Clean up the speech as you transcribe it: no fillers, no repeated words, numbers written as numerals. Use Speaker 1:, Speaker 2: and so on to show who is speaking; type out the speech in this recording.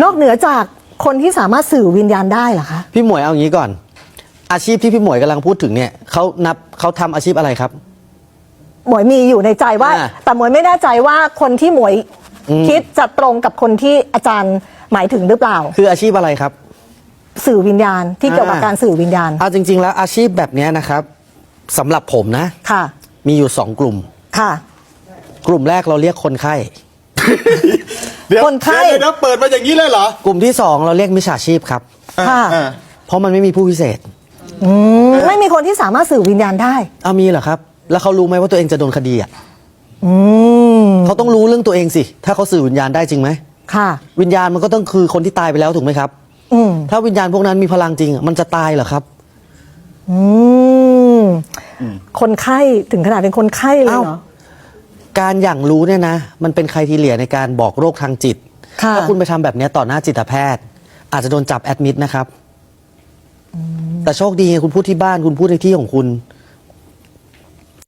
Speaker 1: นอกเหนือจากคนที่สามารถสื่อวิญญาณได้เหรอคะ
Speaker 2: พี่หมวยเอาอย่างนี้ก่อน อาชีพที่พี่หมวยกำลังพูดถึงเนี่ยเขาทำอาชีพอะไรครับ
Speaker 1: หมวยมีอยู่ในใจว่า แต่หมวยไม่แน่ใจว่าคนที่หมวยคิดจะตรงกับคนที่อาจารย์หมายถึงหรือเปล่า
Speaker 2: คืออาชีพอะไรครับ
Speaker 1: สื่อวิญญาณที่เกี่ยวกับการสื่อวิญญาณ
Speaker 2: จริงๆแล้วอาชีพแบบนี้นะครับสำหรับผมนะ
Speaker 1: ค่ะ
Speaker 2: มีอยู่2กลุ่ม
Speaker 1: ค่ะ
Speaker 2: กลุ่มแรกเราเรียกคนไข้
Speaker 1: คนไข้
Speaker 3: เดี๋ยวเปิดมาอย่างนี้เลยเหรอก
Speaker 2: ลุ่มที่2เราเรียกมิจฉาชีพครับ
Speaker 1: ค่ะ
Speaker 2: เพราะมันไม่มีผู้พิเศษ
Speaker 1: ไม่มีคนที่สามารถสื่อวิญญาณได้
Speaker 2: มีเหรอครับแล้วเขารู้ไหมว่าตัวเองจะโดนคดีเขาต้องรู้เรื่องตัวเองสิถ้าเขาสื่อวิญญาณได้จริงไหม
Speaker 1: ค่ะ
Speaker 2: วิญญาณมันก็ต้องคือคนที่ตายไปแล้วถูกไหมครับถ้าวิญญาณพวกนั้นมีพลังจริงมันจะตายเหรอครับ
Speaker 1: คนไข้ถึงขนาดเป็นคนไข้เลยเหรอ
Speaker 2: การอย่างรู้เนี่ยนะมันเป็นไครทีเรียในการบอกโรคทางจิตถ้าคุณไปทำแบบนี้ต่อหน้าจิตแพทย์อาจจะโดนจับแอดมิดนะครับแต่โชคดีไงคุณพูดที่บ้านคุณพูดในที่ของคุณ